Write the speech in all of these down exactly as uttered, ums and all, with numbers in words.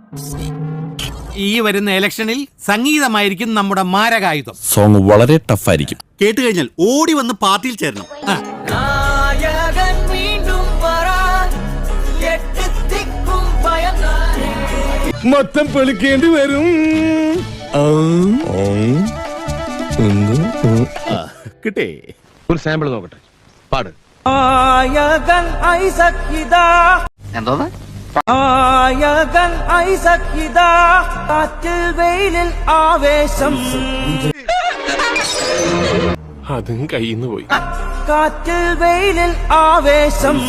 ഈ വരുന്ന ഇലക്ഷനിൽ സംഗീതമായിരിക്കും നമ്മുടെ മാരകായുധം. സോങ് വളരെ ടഫായിരിക്കും. കേട്ട് കഴിഞ്ഞാൽ ഓടി വന്ന് പാർട്ടിയിൽ ചേരണം. മൊത്തം പൊളിക്കേണ്ടി വരും. കിട്ടേ ഒരു സാമ്പിൾ നോക്കട്ടെ, പാട്. എന്തോന്ന് കാറ്റിൽ വെയിലിൽ ആവേശം, അതും കയ്യിന്ന് പോയി. കാറ്റിൽ വെയിലിൽ ആവേശം,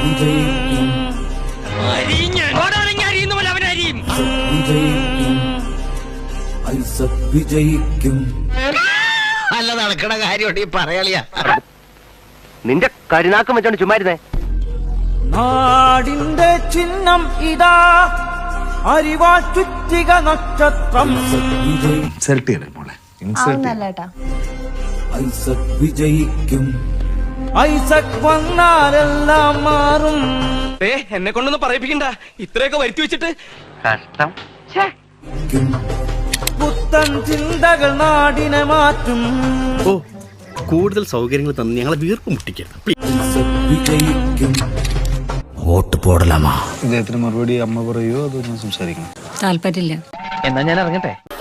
വിജയിക്കും. നല്ല നടക്കണ കാര്യം പറയാളിയാ. നിന്റെ കരുനാക്കം വെച്ചോണ്ട് ചുമ്മാരുന്നേ. നാടിന്റെ ചിഹ്നം ഇതാ, അരിവാൾ ചുറ്റിക നക്ഷത്രം. വിജയിക്കും. ഐസക് വന്നാലെല്ലാം മാറും. എന്നെ കൊണ്ടൊന്നും പറയിപ്പിക്കണ്ട, ഇത്രയൊക്കെ വരുത്തി വെച്ചിട്ട്. കഷ്ടം. പുത്തൻ ചിന്തകൾ നാടിനെ മാറ്റും. ഓ, കൂടുതൽ സൗകര്യങ്ങൾ തന്ന് ഞങ്ങളെ വീർപ്പ് മുട്ടിക്കരുത്. വിജയിക്കും. വോട്ട് പോടലാമാ. ഇദ്ദേഹത്തിന് മറുപടി അമ്മ പറയോ അതോ ഞാൻ സംസാരിക്കണം? താല്പര്യമില്ല. എന്നാ ഞാൻ ഇറങ്ങട്ടെ.